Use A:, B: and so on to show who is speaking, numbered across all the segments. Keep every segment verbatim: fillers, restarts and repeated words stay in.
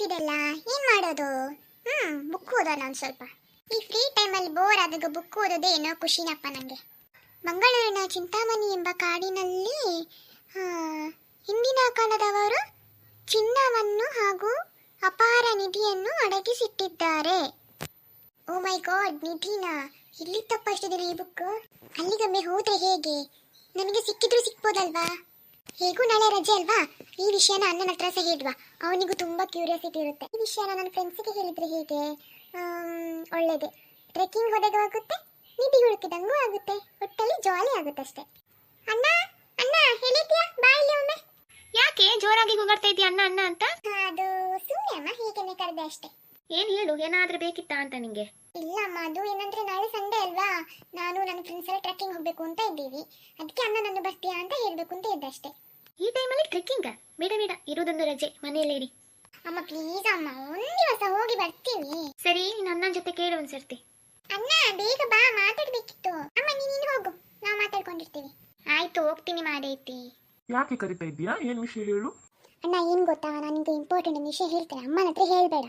A: ಆಗ್ತಿದೆಲ್ಲ, ಏನ್ ಮಾಡೋದು? ಹ್ಮ್ ಬುಕ್ ಓದೋಣ ಒಂದ್ ಸ್ವಲ್ಪ. ಈ ಫ್ರೀ ಟೈಮಲ್ಲಿ ಬೋರ್ ಆದಾಗ ಬುಕ್ ಓದೋದೇ ಏನೋ ಖುಷಿನಪ್ಪ ನಂಗೆ. ಮಂಗಳೂರಿನ ಚಿಂತಾಮಣಿ ಎಂಬ ಕಾಡಿನಲ್ಲಿ ಆ, ಹಿಂದಿನ ಕಾಲದವರು ಚಿನ್ನವನ್ನು ಹಾಗೂ ಅಪಾರ ನಿಧಿಯನ್ನು ಅಡಗಿಸಿಟ್ಟಿದ್ದಾರೆ. ಓ ಮೈ ಗಾಡ್, ನಿಧಿನ ಇಲ್ಲಿತ್ತಪ್ಪ ಅಷ್ಟು ದಿನ ಈ ಬುಕ್. ಅಲ್ಲಿಗೊಮ್ಮೆ ಹೋದ್ರೆ ಹೇಗೆ? ನನಗೆ ಸಿಕ್ಕಿದ್ರು ಸಿಕ್ಬೋದಲ್ವಾ? ಹೇಗೂ ನಾಳೆ ರಜೆ ಅಲ್ವಾ? ಈ ವಿಷಯನ ಅಣ್ಣನ ಹತ್ರ ಸಹ ಹೇಳುವ, ಅವನಿಗೂ ತುಂಬಾ ಕ್ಯೂರಿಯಾಸಿಟಿ ಇರುತ್ತೆ. ಈ ವಿಷಯನ ನನ್ನ ಫ್ರೆಂಡ್ಸಿಗೆ ಹೇಳಿದ್ರೆ ಹೇಗೆ? ಒಳ್ಳೇದೆ, ಟ್ರೆಕ್ಕಿಂಗ್ ಹೋದಾಗ ಆಗುತ್ತೆ, ನಿಧಿ ಹುಡುಕಿದಂಗೂ ಆಗುತ್ತೆ, ಒಟ್ಟಲ್ಲಿ ಜಾಲಿ ಆಗುತ್ತೆ ಅಷ್ಟೇ. ಅಣ್ಣ ಅಣ್ಣ ಹೇಳಿದ್ಯಾ? ಬಾಯಲ್ಲಿ ಒಮ್ಮೆ.
B: ಯಾಕೆ ಜೋರಾಗಿ ಕೂಗಾಡ್ತಾ ಇದೀಯ ಅಣ್ಣ ಅಣ್ಣ ಅಂತ?
A: ಅದು ಸುಮ್ಮನೆ ಅಮ್ಮ, ಹೀಗೆನೆ ಕರೆದೆ ಅಷ್ಟೇ.
B: ಏನ್ ಹೇಳು, ಏನಾದ್ರೂ ಬೇಕಿತ್ತಾ ಅಂತ ನಿಂಗೆ?
A: ಇಲ್ಲ ಅಮ್ಮ, ಅದು ಏನಂದ್ರೆ ನಾಳೆ ಸಂಡೇ ಅಲ್ವಾ, ನಾನು ನನ್ನ ಫ್ರೆಂಡ್ಸ್ ಎಲ್ಲ ಟ್ರೆಕ್ಕಿಂಗ್ ಹೋಗ್ಬೇಕು ಅಂತ ಇದ್ದೀವಿ. ಅದಕ್ಕೆ ಅಣ್ಣ ನನ್ನ ಬರ್ತೀಯಾ ಅಂತ ಹೇಳ್ಬೇಕು ಅಂತ ಇದ್ದೆ ಅಷ್ಟೇ.
B: ಈ ಟೈಮಲ್ಲಿ ಟ್ರೆಕ್ಕಿಂಗ್? ಬೇಡ ಬೇಡ, ಇರೋದೊಂದು ರಜೆ, ಮನೆಯಲ್ಲೇ ಇರಿ.
A: ಅಮ್ಮ ಪ್ಲೀಸ್ ಅಮ್ಮ, ಒಂದ್ ದಿವಸ ಹೋಗಿ ಬರ್ತೀವಿ.
B: ಸರಿ, ನಿನ್ನ ಅಣ್ಣನ ಜೊತೆ ಕೇಳು ಒಂದ್ಸರ್ತಿ.
A: ಅಣ್ಣ ಬೇಗ ಬಾ, ಮಾತಾಡ್ಬೇಕಿತ್ತು. ಅಮ್ಮ ನೀನು ಹೋಗು, ನಾವು ಮಾತಾಡ್ಕೊಂಡಿರ್ತೀವಿ. ಆಯ್ತು, ಹೋಗ್ತೀನಿ ಮಾಡೈತಿ.
C: ಯಾಕೆ ಕರಿತಾ ಇದ್ದೀಯಾ? ಏನ್ ವಿಷಯ ಹೇಳು.
A: ಅಣ್ಣ ಏನ್ ಗೊತ್ತಾ, ನನಗೆ ಇಂಪಾರ್ಟೆಂಟ್ ಒಂದು ವಿಷಯ ಹೇಳ್ತೇನೆ, ಅಮ್ಮನ ಹತ್ರ ಹೇಳ್ಬೇಡ.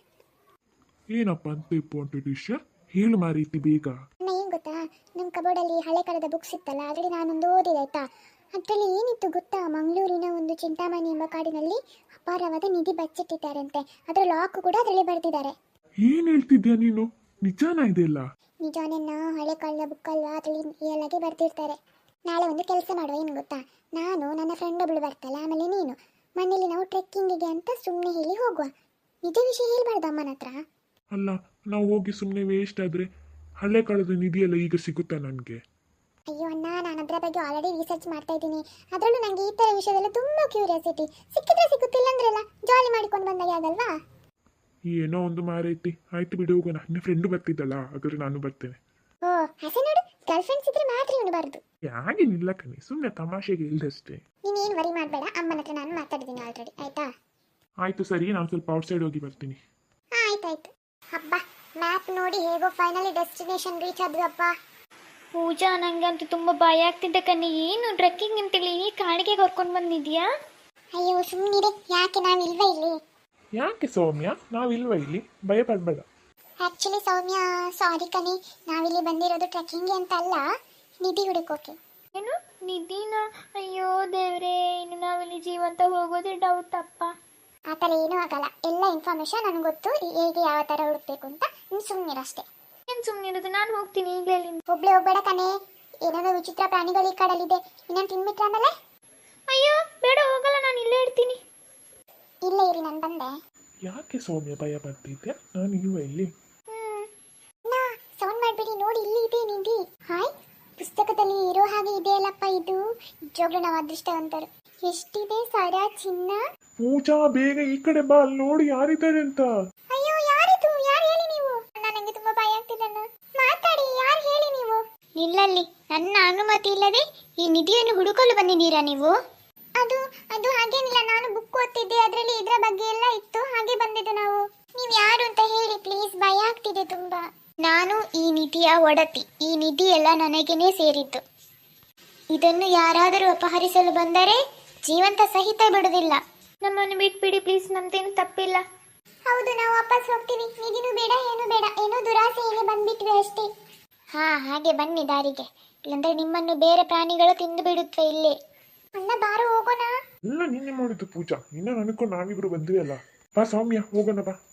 C: ಏನಪ್ಪ ಅಂತ ಇಂಪಾರ್ಟೆಂಟ್ ವಿಷಯ? ಹೇಳು ಮಾರೀತಿ ಬೇಗ.
A: ಅಣ್ಣ ಏನ್ ಗೊತ್ತಾ, ನಮ್ಮ ಕಬೋರ್ಡಲ್ಲಿ ಹಳೆ ಕಾಲದ ಬುಕ್ಸ್ ಇತ್ತಲ್ಲ, ಅದರಲ್ಲಿ ನಾನೊಂದು ಓದಿದೆ ಆಯ್ತಾ. ಅದರಲ್ಲಿ ಏನಿತ್ತು ಗೊತ್ತಾ, ಮಂಗಳೂರಿನ ಒಂದು ಚಿಂತಾಮಣಿ ಎಂಬ ಕಾಡಿನಲ್ಲಿ ಅಪಾರವಾದ ನಿಧಿ ಬಚ್ಚಿಟ್ಟಿದ್ದಾರಂತೆ. ಅದರ ಲಾಕ್ ಕೂಡ ಅದರಲ್ಲಿ ಬರೆದಿದ್ದಾರೆ.
C: ಏನ್ ಹೇಳ್ತಿದ್ಯಾ ನೀನು? ನಿಜಾನ ಇದೆಲ್ಲ?
A: ನಿಜಾನೇನ, ಹಳೆ ಕಾಲದ ಬುಕ್ ಅಲ್ವಾ, ಅದರಲ್ಲಿ ರಿಯಲ್ ಆಗಿ ಬರ್ತಿರ್ತಾರೆ. ನಾಳೆ ಒಂದು ಕೆಲಸ ಮಾಡುವ, ಏನು ಗೊತ್ತಾ, ನಾನು ನನ್ನ ಫ್ರೆಂಡ್ ಒಬ್ಳು ಬರ್ತಲ್ಲ, ಆಮೇಲೆ ನೀನು ಮನೇಲಿ ನಾವು ಟ್ರೆಕ್ಕಿಂಗಿಗೆ ಅಂತ ಸುಮ್ಮನೆ ಹೇಳಿ ಹೋಗುವ. ನಿಜ ವಿಷಯ ಹೇಳ್ಬಾರ್ದು ಅಮ್ಮನ ಹತ್ರ.
C: ಅಲ್ಲ, ನಾವು ಹೋಗಿ ಸುಮ್ಮನೆ ವೇಸ್ಟ್ ಆದ್ರೆ ಹಳೆ ಕಾಲದ ನಿಧಿ ಎಲ್ಲ ಈಗ ಸಿಗುತ್ತಾ ನನ್ಗೆ?
A: ಅಯ್ಯೋ ಅಣ್ಣ, ನಾನು ಅದರ ಬಗ್ಗೆ ಆಲ್ರೆಡಿ ರಿಸರ್ಚ್ ಮಾಡ್ತಾ ಇದ್ದೀನಿ. ಅದರಲ್ಲೂ ನನಗೆ ಈ ಥರ ವಿಷಯದಲ್ಲ ತುಂಬಾ ಕ್ಯೂರಿಯಾಸಿಟಿ. ಸಿಕ್ಕಿದ್ರೆ ಸಿಗುತ್ತಿಲ್ಲ ಅಂದ್ರಲ್ಲ, ಜಾಲಿ ಮಾಡಿಕೊಂಡು ಬಂದಾಗ ಯಾವ್ದಲ್ವಾ?
C: ಏನೋ ಒಂದು ಮಾರೈತಿ. ಆಯ್ತು ಬಿಡು, ಹೋಗೋಣ. ನಿನ್ನ ಫ್ರೆಂಡು ಬರ್ತಿದ್ದಲ್ಲ, ಹಾಗಾದ್ರೆ ನಾನು ಬರ್ತೇನೆ.
A: ಓ ಹಸೆ ನೋಡು, ಗರ್ಲ್ ಫ್ರೆಂಡ್ಸ್ ಇದ್ರೆ ಮಾತ್ರ ಇಡಬಾರ್ದು.
C: ಯಾಗೇನಿಲ್ಲ ಕಣೆ, ಸುಮ್ಮನೆ ತಮಾಷೆಗೆ ಇಲ್ದಷ್ಟೇ.
A: ನೀನೇನು ವರಿ ಮಾಡಬೇಡ, ಅಮ್ಮನ ಹತ್ರ ನಾನು ಮಾತಾಡಿದ್ದೀನಿ ಆಲ್ರೆಡಿ, ಆಯ್ತಾ?
C: ಆಯ್ತು ಸರಿ, ನಾನು ಸ್ವಲ್ಪ ಔಟ್ಸೈಡ್ ಹೋಗಿ ಬರ್ತೀನಿ.
A: ಹಾಂ ಆಯ್ತಾಯ್ತು. ಹಬ್ಬ, ಮ್ಯಾಪ್ ನೋಡಿ ಹೇಗೋ ಫೈನಲಿ ಡೆಸ್ಟಿನೇಷನ್ ರೀಚ್ ಆದ್ವಿ ಅಪ್ಪ.
B: ಪೂಜಾ, ನಂಗಂತೂ ತುಂಬಾ ಭಯ ಆಗ್ತಿದ್ದೆ ಕಣ್ಣಿ. ಏನು ಟ್ರೆಕ್ಕಿಂಗ್ ಅಂತೇಳಿ ಈ ಕಾಡಿಗೆ ಕರ್ಕೊಂಡು ಬಂದಿದ್ಯಾ?
A: ಅಯ್ಯೋ ಸುಮ್ಮನಿರಿ, ಯಾಕೆ ನಾವು ಇಲ್ವೇ ಇಲ್ಲಿ?
C: ಯಾಕೆ ಸೌಮ್ಯ, ನಾವಿಲ್ವಾ ಇಲ್ಲಿ? ಭಯ ಪಡ್ಬೇಡ.
A: ಆ್ಯಕ್ಚುಲಿ ಸೌಮ್ಯ, ಸಾರಿ ಕಣಿ, ನಾವಿಲ್ಲಿ ಬಂದಿರೋದು ಟ್ರೆಕ್ಕಿಂಗ್ ಅಂತ ಅಲ್ಲ, ನಿಧಿ ಹುಡುಕೋಕೆ.
B: ಏನು ನಿಧಿನ? ಅಯ್ಯೋ ದೇವ್ರೇ, ಇನ್ನು ನಾವಿಲ್ಲಿ ಜೀವಂತ ಹೋಗೋದೇ ಡೌಟ್ ಅಪ್ಪ.
A: ಆ ಥರ ಏನೂ ಆಗಲ್ಲ, ಎಲ್ಲ ಇನ್ಫಾರ್ಮೇಶನ್ ನನಗೆ ಗೊತ್ತು, ಹೇಗೆ ಯಾವ ಥರ ಹುಡುಕ್ಬೇಕು ಅಂತ. ನೀನು ಸುಮ್ಮನಿರಷ್ಟೇ.
B: ಏನು ಸುಮ್ಮನಿರೋದು, ನಾನು ಹೋಗ್ತೀನಿ ಈಗಲೇ.
A: ಒಬ್ಳೆ ಹೋಗ್ಬೇಡ ಕಣೆ, ಏನೇನೋ ವಿಚಿತ್ರ ಪ್ರಾಣಿಗಳು ಈ ಕಾಡಲ್ಲಿದೆ, ಇನ್ನೇನು ತಿನ್ಬಿಟ್ರೆ ಆಮೇಲೆ?
B: ಅಯ್ಯೋ ಬೇಡ, ಹೋಗಲ್ಲ, ನಾನು ಇಲ್ಲೇ ಇರ್ತೀನಿ.
A: ಇಲ್ಲೇ ಇರಿ, ನಾನು ಬಂದೆ.
C: ಯಾಕೆ ಸೌಮ್ಯ ಭಯ ಪಡ್ತಿದ್ಯಾ? ನಾನು ಇಲ್ವಾ ಇಲ್ಲಿ?
A: ನಾ ಸೌಂಡ್ ಮಾಡ್ಬಿಡಿ, ನೋಡಿ ಇಲ್ಲಿ ಇದೆ ನಿಧಿ. ಹಾಯ್, ಪುಸ್ತಕದಲ್ಲಿ ಇರೋ ಹಾಗೆ ಇದೆಯಲ್ಲಪ್ಪ ಇದು. ನಿಜವಾಗ್ಲೂ ನಾವು ಅದೃಷ್ಟವಂತರು. ಎಷ್ಟಿದೆ ಸರ, ಚಿನ್ನ.
C: ಪೂಜಾ ಬೇಗ ಈ ಕಡೆ ಬಾ, ಅಲ್ಲಿ ನೋಡಿ ಯಾರಿದ್ದಾರೆ ಅಂತ.
A: ಅಯ್ಯೋ ಯಾರಿದು? ಯಾರು ಹೇಳಿ ನೀವು? ಅಣ್ಣ ನನಗೆ ತುಂಬಾ ಭಯ ಆಗ್ತಿದೆಣ್ಣ, ಮಾತಾಡಿ, ಯಾರು ಹೇಳಿ ನೀವು?
B: ನಿಲ್ಲಲ್ಲಿ, ನನ್ನ ಅನುಮತಿ ಇಲ್ಲದೆ ಈ ನಿಧಿಯನ್ನು ಹುಡುಕಲು ಬಂದಿದ್ದೀರಾ ನೀವು?
A: ಅದು ಅದು ಹಾಗೇನಿಲ್ಲ, ನಾನು ಬುಕ್ ಓದ್ತಿದ್ದೆ, ಅದರಲ್ಲಿ ಇದರ ಬಗ್ಗೆ ಎಲ್ಲ ಇತ್ತು, ಹಾಗೆ ಬಂದಿದ್ದು ನಾವು. ನೀವು ಯಾರು ಅಂತ ಹೇಳಿ ಪ್ಲೀಸ್, ಭಯ ಆಗ್ತಿದೆ ತುಂಬಾ.
B: ನಾನು ಈ ನಿಧಿಯ ಒಡತಿ. ಈ ನಿಧಿ ಎಲ್ಲ ನನಗೇನೆ ಸೇರಿದ್ದು. ಇದನ್ನು ಯಾರಾದರೂ ಅಪಹರಿಸಲು ಬಂದರೆ ಜೀವಂತ ಸಹಿತ ಬಿಡುವುದಿಲ್ಲ. ನಮ್ಮನ್ನು ಬಿಟ್ಬಿಡಿ ಪ್ಲೀಸ್, ನಮ್ದೇನು ತಪ್ಪಿಲ್ಲ.
A: ಹೌದು, ನಾವು ವಾಪಸ್ ಹೋಗ್ತೀವಿ. ನಿಧಿನೂ ಬೇಡ, ಏನು ಬೇಡ, ಏನೋ ದುರಾಸೆಯಲ್ಲಿ ಬಂದ್ಬಿಟ್ವಿ ಅಷ್ಟೇ.
B: ಹಾ, ಹಾಗೆ ಬನ್ನಿ ದಾರಿಗೆ, ಇಲ್ಲಂದ್ರೆ ನಿಮ್ಮನ್ನು ಬೇರೆ ಪ್ರಾಣಿಗಳು ತಿಂದು ಬಿಡುತ್ತವೆ ಇಲ್ಲೇ.
A: ಅಣ್ಣ ಬಾರು ಹೋಗೋಣ.
C: ಇಲ್ಲ, ನಿನ್ನೆ ಮಾಡಿದ್ದು ಪೂಜಾ, ನಿನ್ನ ಅನ್ಕೊಂಡು ನಾವಿಬ್ರು ಬಂದ್ವಿ ಅಲ್ಲ. ಬಾ ಸೌಮ್ಯ, ಹೋಗೋಣ ಬಾ.